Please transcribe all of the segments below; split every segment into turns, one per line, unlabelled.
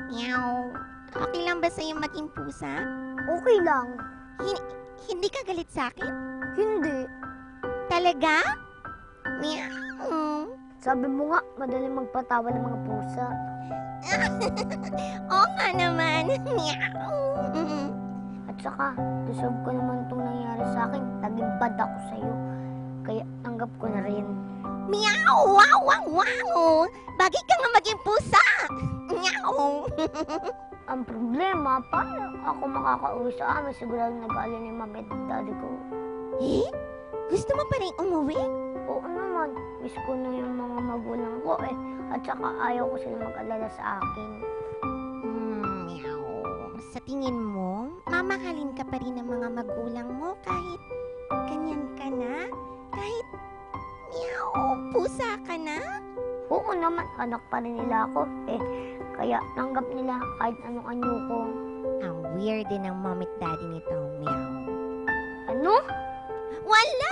Meow. Okay lang ba sa'yo maging pusa?
Okay lang.
Hindi ka galit sa akin?
Hindi.
Talaga? Meow.
Sabi mo nga, madaling magpatawa ng mga pusa.
Oo nga naman. Meow.
At saka, deserve ko naman itong nangyari sa akin. Naging bad ako sa'yo. Kaya tanggap ko na rin.
Meow! Wow! Wow! Wow! Bagay ka nga maging pusa! Meow!
Ang problema, paano ako makakauwi sa amin? Sigurado nag-aalala ni mami at daddy ko.
Eh? Gusto mo pa rin umuwi?
Oo naman, miss ko na yung mga magulang ko eh. At saka ayaw ko sila mag-alala sa akin.
Meow. Sa tingin mo, mamahalin ka pa rin ng mga magulang mo kahit ganyan ka na? Kahit, meow, pusa ka na?
Oo naman, anak pa rin nila ako eh. Kaya tanggap nila kahit anong anyo ko.
Ang weird din ng mom at daddy nito, meow.
Ano?
Wala!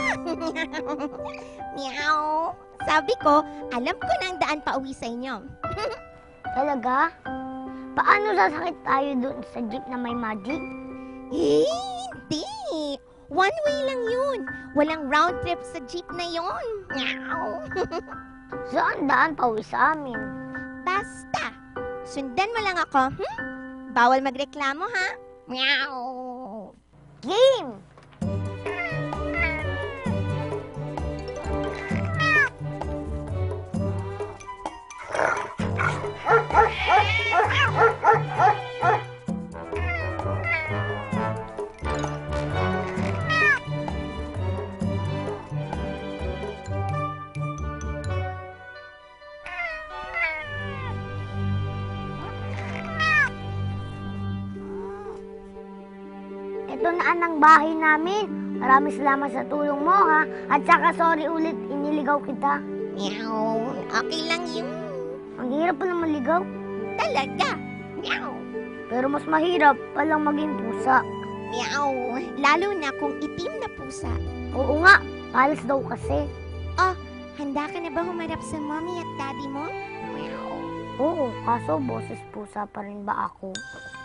Meow. Sabi ko, alam ko na ang daan pa uwi sa inyo.
Talaga? Paano sasakit tayo dun sa jeep na may magic?
Eh, hindi. One way lang yun. Walang round trip sa jeep na yun. Meow.
Saan daan pa uwi sa amin?
Basta, sundan mo lang ako, Bawal magreklamo, ha? Meow.
Game! Ito na ang bahay namin. Maraming salamat sa tulong mo, ha? At saka sorry ulit, iniligaw kita.
Meow. Okay lang yun.
Ang hirap pa naman ligaw.
Talaga. Meow.
Pero mas mahirap palang maging pusa.
Meow. Lalo na kung itim na pusa.
Oo nga, palas daw kasi.
Handa ka na ba humarap sa mommy at daddy mo? Meow.
Oo, kaso boses pusa pa rin ba ako?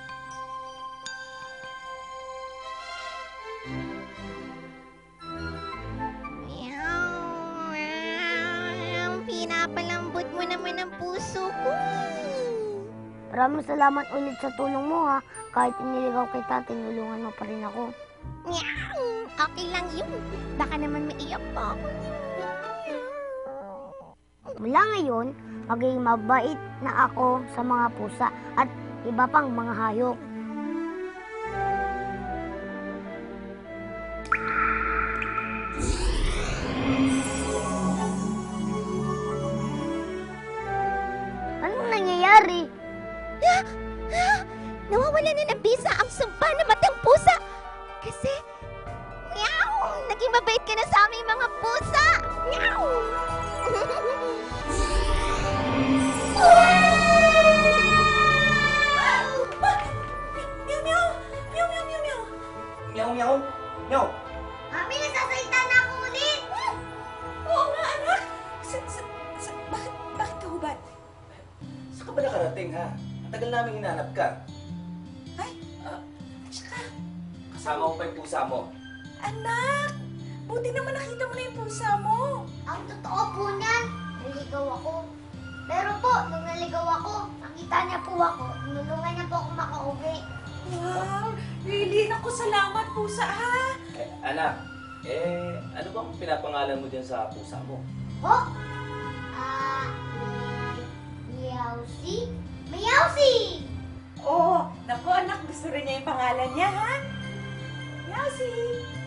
Meow. Pinapalambot mo naman ang puso ko.
Maraming salamat ulit sa tulong mo, ha? Kahit iniligaw kita, tinulungan mo pa rin ako.
Meow. Okay lang yun. Baka naman maiyak pa ako.
Mula ngayon, magiging mabait na ako sa mga pusa at iba pang mga hayop. Anong nangyayari?
Nawawala na ng bisa ang sumpa na matang pusa. Kasi, meow, naging mabait ka na sa aming mga pusa. Meow.
Meow, meow, meow.
Mami, nasasalita na ako ulit!
Oo nga, anak. Bakit ka hubad?
Saan ka ba nakarating, ha? Ang tagal namin hinanap ka.
Ay, tsaka,
Kasama mo pa yung pusa mo.
anak, buti naman nakita mo na yung pusa mo.
Ang totoo po niyan, naligaw ako. Pero po, nung naligaw ako, nakita niya po ako, tinulungan niya po ako makauwi.
Wow, really, naku, salamat pusa, ha?
Anak, ano bang pinapangalan mo dyan sa pusa mo?
Ho? Meowsy? Meowsy!
Oo, naku, anak, gusto rin niya yung pangalan niya, ha? Yasi!